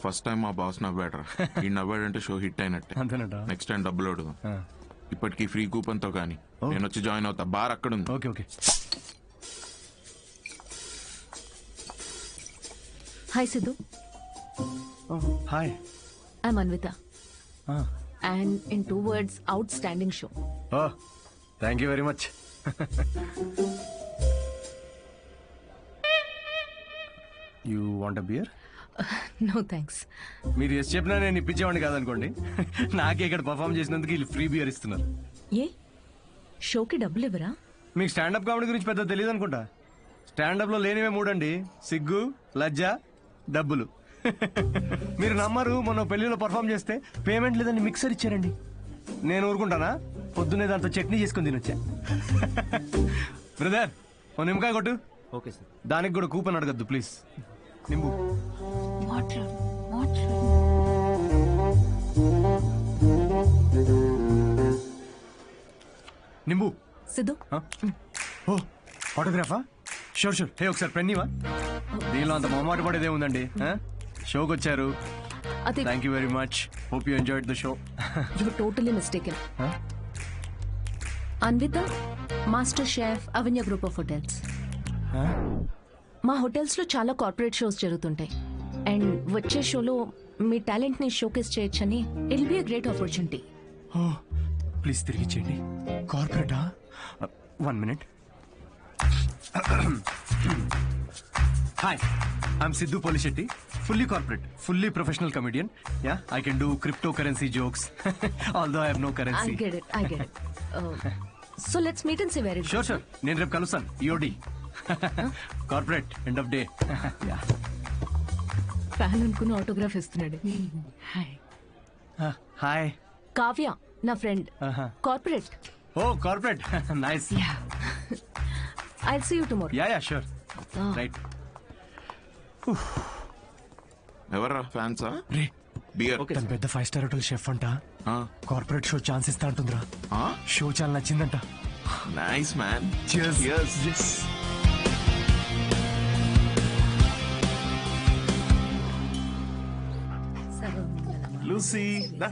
First time మా boss నవ్వాడరా. ఈ నవ్వాడంటే షో హిట్ అయినట్టే. అంతేనట. నెక్స్ట్ టైం డబ్బులు అడుగుదాం. ఇప్పటికీ ఫ్రీ కూపన్ తో కానీ నేను వచ్చి జాయిన్ అవుతా. బార్ అక్కడ ఉంది. Okay okay. Hi Siddhu. Hi. I'm Anvitha. And in 2 words, outstanding show. Thank you very much. You want a beer? No thanks. మీరు ఎస్ చెప్పినా నేను ఇప్పించేవాడిని కాదనుకోండి. నాకే ఇక్కడ పర్ఫామ్ చేసినందుకు వీళ్ళు ఫ్రీ బియర్ ఇస్తున్నారు. ఏ షోకి డబ్బులు ఇవ్వరా? మీకు స్టాండప్ కామెడీ గురించి పెద్ద తెలియదు అనుకుంటా. స్టాండప్లో లేనివే మూడండి: సిగ్గు, లజ్జ, డబ్బులు. మీరు నమ్మరు, మొన్న పెళ్లిలో పర్ఫామ్ చేస్తే పేమెంట్ లేదని మిక్సర్ ఇచ్చారండి. నేను ఊరుకుంటానా? పొద్దున్నే దాంతో చట్నీ చేసుకుని తినొచ్చా. బ్రదర్, ఓ నిమ్మకాయ కొట్టు. Okay sir. దానికి కూడా కూపన్ అడగద్దు ప్లీజ్. నింబు. నింబు. సిద్ధు. ఓ ఆటోగ్రాఫా? Sure sure. హే ఒకసారి పెన్నీవా? దీనిలో అంత మొహమాట పడేదే ఉందండి. షోకి వచ్చారు. Thank you very much. Hope you enjoyed the show. You totally mistaken. Anvitha, master chef, Avanya group of hotels. మా హోటల్స్ లో చాలా కార్పొరేట్ షోస్ జరుగుతుంటాయి. అండ్ వచ్చే షోలో మీ టాలెంట్ ని షోకేస్ చేయొచ్చని it be a great opportunity. Please తిరిగి చేయండి. కార్పొరేటా? 1 minute. Hi, I'm Siddhu Polishetty. Fully corporate, fully professional comedian. Yeah, I can do cryptocurrency jokes. Although I have no currency. I get it. So let's meet and see where it Sure. నేను రేపు కలుస్తాను. EOD. Corporate, end of day. Yeah. Fan అనుకుని autograph ఇస్తున్నాడు. Hi. Kavya నా friend. Corporate. Oh, corporate. Nice. Yeah. I'll see you tomorrow. Yeah, sure. Right. ఎవర్రా ఫ్యాన్సా? రే, beer. తను పెద్ద 5-star hotel chef అంట. కార్పొరేట్ షో ఛాన్స్ ఇస్తా అంటుందిరా. షో చాలా నచ్చిందంట. Nice man. Cheers. Yes. Lucy.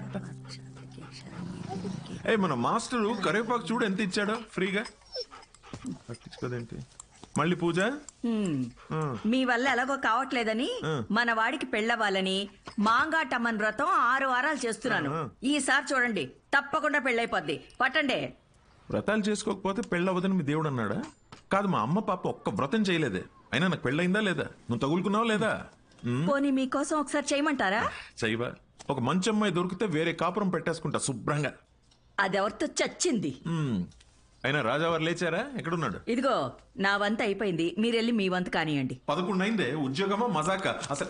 ఏ మన మాస్టరు కరివేపాకు చూడు ఎంత ఇచ్చాడో ఫ్రీగా. పట్టించుకోదేంటి మళ్ళీ పూజ? మీ వల్ల ఎలాగో కావట్లేదని మన వాడికి పెళ్ళవ్వాలని మాంగాటమ్మన్ వ్రతం 6 వారాలు చేస్తున్నాను. ఈసారి చూడండి, తప్పకుండా పెళ్ళైపోద్ది. పట్టండి. వ్రతాలు చేసుకోకపోతే పెళ్ళవదని మీ దేవుడు అన్నాడా? కాదు, మా అమ్మ పాప ఒక్క వ్రతం చేయలేదే. అయినా నాకు పెళ్ళయిందా లేదా? నువ్వు తగులుకున్నావా లేదా? పోనీ మీకోసం ఒకసారి చేయమంటారా? చేయవా? ఒక మంచి అమ్మాయి దొరికితే వేరే కాపురం పెట్టేసుకుంటా శుభ్రంగా. అదెవరితో చచ్చింది. అయినా రాజావారు లేచారా? ఎక్కడున్నాడు? ఇదిగో నా వంత అయిపోయింది, మీరెళ్ళి మీ వంత కానియండి. 11 అయిందే. ఉద్యోగమా మజాక అసలు?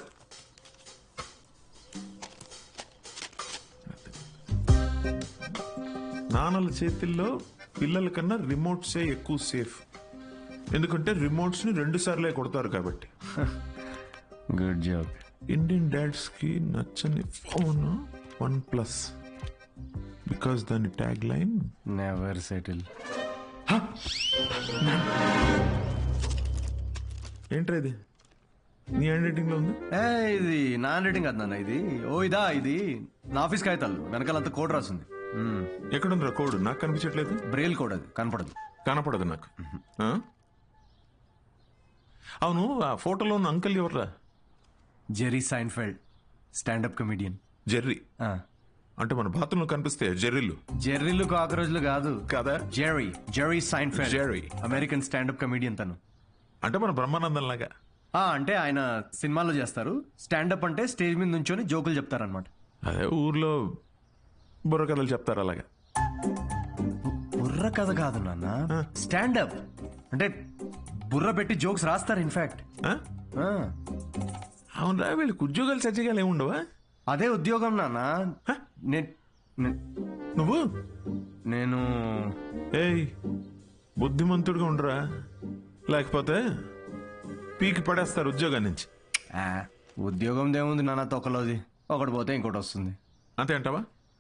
నాన్నల చేతిల్లో పిల్లల కన్నా రిమోట్సే ఎక్కువ సేఫ్. ఎందుకంటే రిమోట్స్ ని 2 సార్లే కొడతారు కాబట్టి. Good job. ఇండియన్ డాడ్స్ కి నచ్చని ఫోన్ OnePlus. బికాస్ దాని ట్యాగ్ లైన్ నెవర్ సెటిల్. ఏంట్రా ఇది? నీ హ్యాండ్ రైటింగ్ లో ఉంది. ఇది నా హ్యాండ్ రైటింగ్ కాదు నాన్న. ఇది నా ఆఫీస్ కాగితాలు వెనకాలంతా కోడ్ రాసింది. ఎక్కడుందిరా కోడ్? నాకు కనిపించట్లేదు. Braille code. అది కనపడదు నాకు. అవును, ఆ ఫోటోలో ఉన్న అంకుల్ ఎవర్రా? Jerry Seinfeld, standup comedian. Jerry అంటే మన బాత్రూంలో కనిపిస్తే జెర్రీలు కాకరోజులు కాదు కదా? Jerry Seinfeld, American standup comedian. తను అంటే మన బ్రహ్మానందం లాగా. అంటే ఆయన సినిమాలో చేస్తారు. స్టాండప్ అంటే స్టేజ్ మీద నుంచొని జోకులు చెప్తారనమాట. అదే ఊర్లో బుర్ర కథలు చెప్తారు అలాగా. బుర్ర కథ కాదు నాన్న, స్టాండప్ అంటే బుర్ర పెట్టి జోక్స్ రాస్తారు. ఇన్ఫాక్ట్ అవునరా, వీళ్ళకి ఉద్యోగాలు సజ్జగాలు ఏముండవా? అదే ఉద్యోగం నాన్న. నేను ఏయ్, బుద్ధిమంతుడిగా ఉండరా, లేకపోతే పీకి పడేస్తారు ఉద్యోగం నుంచి. ఉద్యోగం దేముంది నాన్న, తొక్కలోది. ఒకటి పోతే ఇంకోటి వస్తుంది. అంతే అంటావా?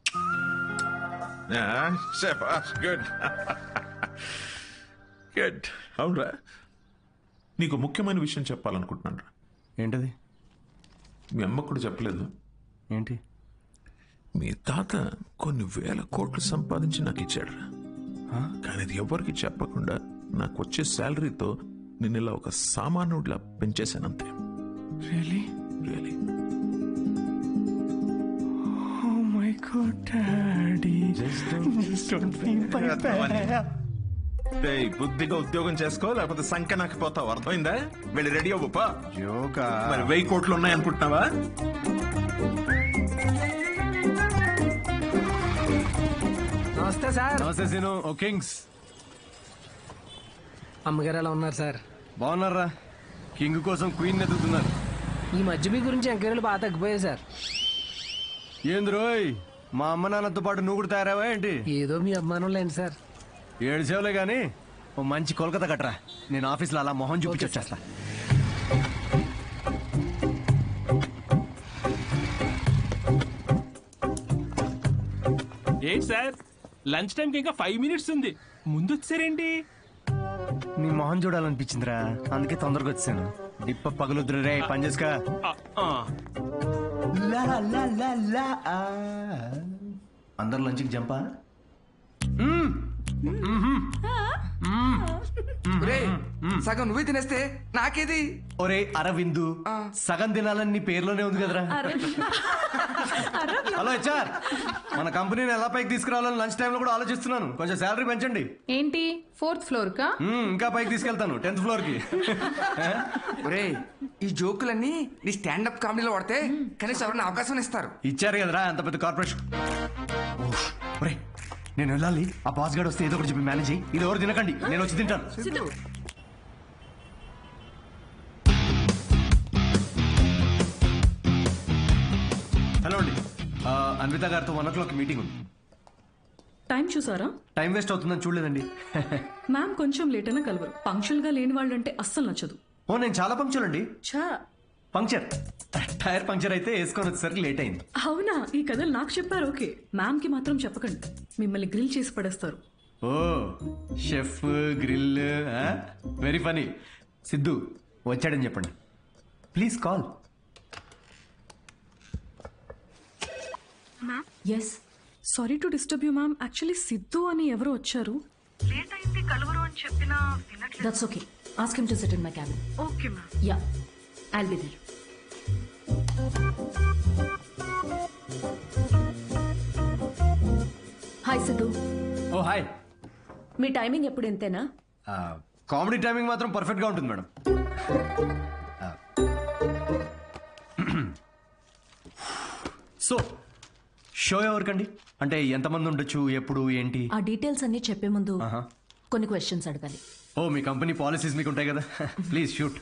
గుడ్. అవునరా, నీకు ముఖ్యమైన విషయం చెప్పాలనుకుంటున్నాను రా. ఏంటది? మీ అమ్మ కూడా చెప్పలేదు. ఏంటి? మీ తాత కొన్ని వేల కోట్లు సంపాదించి నాకు ఇచ్చాడు. కానీ అది ఎవరికి చెప్పకుండా నాకు వచ్చే శాలరీతో నేను ఇలా ఒక సామాన్యుడిలా పెంచేశానంతే. Really? Really. Oh my God, Daddy. Just don't feel my bad. ఏయ్, బుద్ధిగా ఉద్యోగం చేసుకో, లేకపోతే సంఖ్య నాకు పోతావు. అర్థమైందా? వెళ్ళి రెడీ అవ్వపా. జోకా? మరి 1000 కోట్లు ఉన్నాయనుకుంటున్నావా? నమస్తే సార్. నమస్తే సీను. ఓ కింగ్స్. అమ్మగారు ఎలా ఉన్నారు సార్? బాగున్నారా? కింగ్ కోసం క్వీన్ ఎదుగుతున్నారు. ఈ మధ్య మీ గురించి ఎంక్వైరీలు బాగా తగ్గిపోయాయి సార్. ఏంది రోయ్, మా అమ్మ నాన్నతో పాటు నువ్వు కూడా తయారావా ఏంటి? ఏదో మీ అభిమానం లేండి సార్. 7 సేవలే గానీ ఓ మంచి కోల్కతా కట్టరా. నేను ఆఫీస్లో అలా మొహం చూపించి వచ్చేస్తా. ఏంటి సార్, లంచ్ టైంకి ఇంకా 5 మినిట్స్ ఉంది, ముందు వచ్చారేంటి? నీ మొహం చూడాలనిపించిందిరా, అందుకే తొందరగా వచ్చాను. డిప్ప పగలుద్దురు రే, పని చేసుకా. అందరు లంచ్కి జంపా? సగం నువ్వే తినేస్తే నాకేది? ఒరే అరవిందు, సగం తినాలని నీ పేర్లోనే ఉంది కదరా. హలో హెచ్ఆర్, మన కంపెనీని ఎలా పైకి తీసుకురావాలని లంచ్ టైంలో కూడా ఆలోచిస్తున్నాను. కొంచెం శాలరీ పెంచండి. ఏంటి 4th ఫ్లోర్ కా? ఇంకా పైకి తీసుకెళ్తాను, 10th ఫ్లోర్ కి. ఒరే, ఈ జోకులన్నీ నీ స్టాండప్ కామెడీలో వాడితే కనీసం ఎవరైనా అవకాశం ఇస్తారు. ఇచ్చారు కదరా అంత పెద్ద కార్పొరేషన్. ఒరే, నేను వెళ్ళాలి. ఆ బాస్ గార్డ్ వస్తే ఏదో ఒకటి చెప్పి మేనేజ్ అయ్యి. ఇది ఎవరు తినకండి, నేను వచ్చి తింటాను. హలో అండి, అన్విత గారితో 1 o'clock మీటింగ్ ఉంది. టైం చూసారా? టైం వేస్ట్ అవుతుందని చూడలేదండి. మ్యామ్ కొంచెం లేట్ అయినా కలవరు. పంక్చువల్ గా లేని వాళ్ళు అంటే అస్సలు నచ్చదు. ఓ, నేను చాలా పంక్చువల్ అండి. ఛా, పంక్చర్, టైర్ పంక్చర్ అయితే వేసుకొని వచ్చేసరికి లేట్ అయింది. అవునా? ఈ కథలు నాకు చెప్పారు. ఓకే, మ్యామ్ కి మాత్రం చెప్పకండి, మిమ్మల్ని గ్రిల్ చేసి పడేస్తారు. Oh, chef grill, very funny. Siddhu వచ్చాడని చెప్పండి, please call. Yes, sorry to disturb you ma'am. Actually Siddhu అని ఎవరో వచ్చారు. లేట్ అయింది కలవరు అని చెప్పినా వినట్లేదు. That's okay, ask him to sit in my cabin. Okay ma'am. Yeah, I'll be there. Hi Siddhu. Oh hi. మీ టైమింగ్ ఎప్పుడు ఇంతేనా? కామెడీ టైమింగ్ మాత్రం పర్ఫెక్ట్ గా ఉంటుంది మేడం. సో షో ఎవరికండి? అంటే ఎంతమంది ఉండొచ్చు, ఎప్పుడు, ఏంటి? ఆ డీటెయిల్స్ అన్ని చెప్పే ముందు కొన్ని క్వశ్చన్స్ అడగాలి. ఓ, మీ కంపెనీ పాలసీస్ మీకు ఉంటాయి కదా. Please shoot.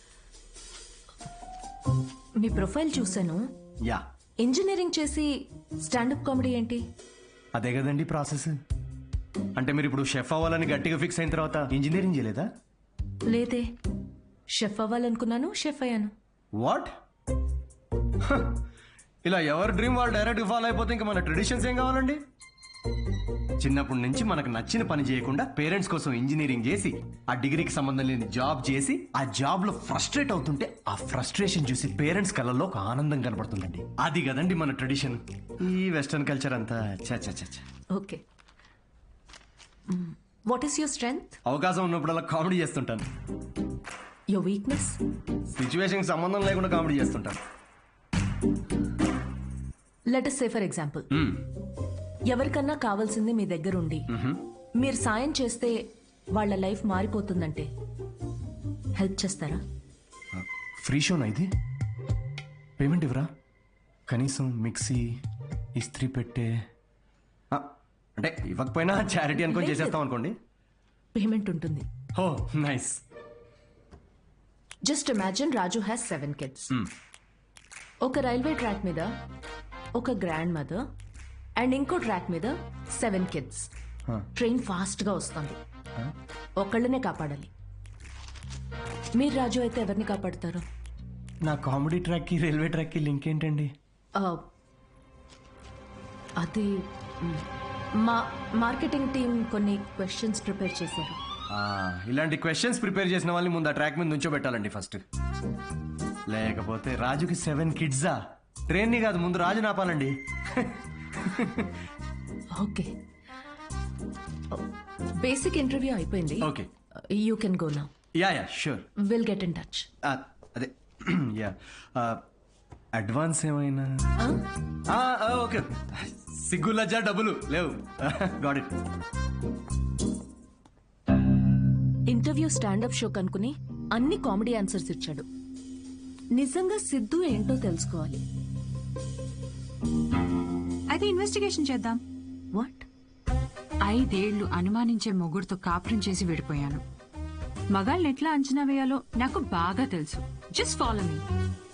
మీ ప్రొఫైల్ చూసాను. యా, ఇంజనీరింగ్ చేసి స్టాండప్ కామెడీ ఏంటి? అదే కదండి ప్రాసెస్. అంటే మీరు ఇప్పుడు షెఫ్ అవ్వాలని గట్టిగా ఫిక్స్ అయిన తర్వాత ఇంజనీరింగ్ చేయలేదా? లేదే, షెఫ్ అవ్వాలనుకున్నాను, షెఫ్ అయ్యాను. వాట్? ఇలా ఎవరి డ్రీమ్ వాళ్ళు డైరెక్ట్ ఫాలో అయిపోతే ఇంకా మన ట్రెడిషన్స్ ఏం కావాలండి? చిన్నప్పటి నుంచి మనకు నచ్చిన పని చేయకుండా పేరెంట్స్ కోసం ఇంజనీరింగ్ చేసి, ఆ డిగ్రీకి సంబంధం లేని జాబ్ చేసి, ఆ జాబ్ లో ఫ్రస్ట్రేట్ అవుతుంటే ఆ ఫ్రస్ట్రేషన్ చూసి పేరెంట్స్ కళ్ళల్లో ఒక ఆనందం కనబడుతుందండి. అది కదండి మన ట్రెడిషన్. ఈ వెస్టర్న్ కల్చర్ అంతా చ. Okay, what is your strength? అవకాశం ఉన్నప్పుడల్లా కామెడీ చేస్తుంటాను. Your weakness? సిచ్యువేషన్ సంబంధం లేకుండా కామెడీ చేస్తుంటాను. Let us say for example, ఎవరికన్నా కావాల్సింది మీ దగ్గర ఉండి మీరు సాయం చేస్తే వాళ్ళ లైఫ్ మారిపోతుందంటే హెల్ప్ చేస్తారా? ఫ్రీ షోనా ఇది? పేమెంట్ ఇవ్వరా? కనీసం మిక్సీ, ఇస్త్రీ పెట్టే, అంటే ఇవ్వకపోయినా చారిటీ అనుకొని చేసేస్తాం అనుకోండి. పేమెంట్ ఉంటుంది. Oh nice. Just imagine Raju has 7 kids. ఒక రైల్వే ట్రాక్ మీద ఒక గ్రాండ్ మదర్ అండ్ ఇంకో ట్రాక్ మీద 7 kids. ట్రైన్ ఫాస్ట్ గా వస్తుంది, ఒకళ్ళనే కాపాడాలి. మీరు రాజు అయితే ఎవరిని కాపాడతారు? నా కామెడీ ట్రాక్ కి రైల్వే ట్రాక్ కి లింక్ ఏంటండి? అది మా మార్కెటింగ్ టీం కొన్ని క్వశ్చన్స్ ప్రిపేర్ చేశారు. ఇలాంటి క్వశ్చన్స్ ప్రిపేర్ చేసిన వాళ్ళని ముందు ఆ ట్రాక్ మీద నుంచోబెట్టాలండి ఫస్ట్. లేకపోతే రాజుకి 7 కిడ్సా? ట్రైన్ని కాదు, ముందు రాజు నాపాలండి. ఓకే, బేసిక్ ఇంటర్వ్యూ అయిపోయింది. Okay, you can go now. Yeah sure. Will get in touch. అదే యా, అడ్వాన్స్ ఏమైనా? ఓకే, సిగ్గు లజ్జా డబ్బులు లేవు. Got it. Interview standup show కనుకుని అన్ని కామెడీ ఆన్సర్స్ ఇచ్చాడు. నిజంగా సిద్ధు ఏంటో తెలుసుకోవాలి. అయితే ఇన్వెస్టిగేషన్ చేద్దాం. వాట్? 5 ఏళ్లు అనుమానించే మొగుడుతో కాపురం చేసి విడిపోయాను. మగాళ్ళని ఎట్లా అంచనా వేయాలో నాకు బాగా తెలుసు. జస్ట్ ఫాలో మీ.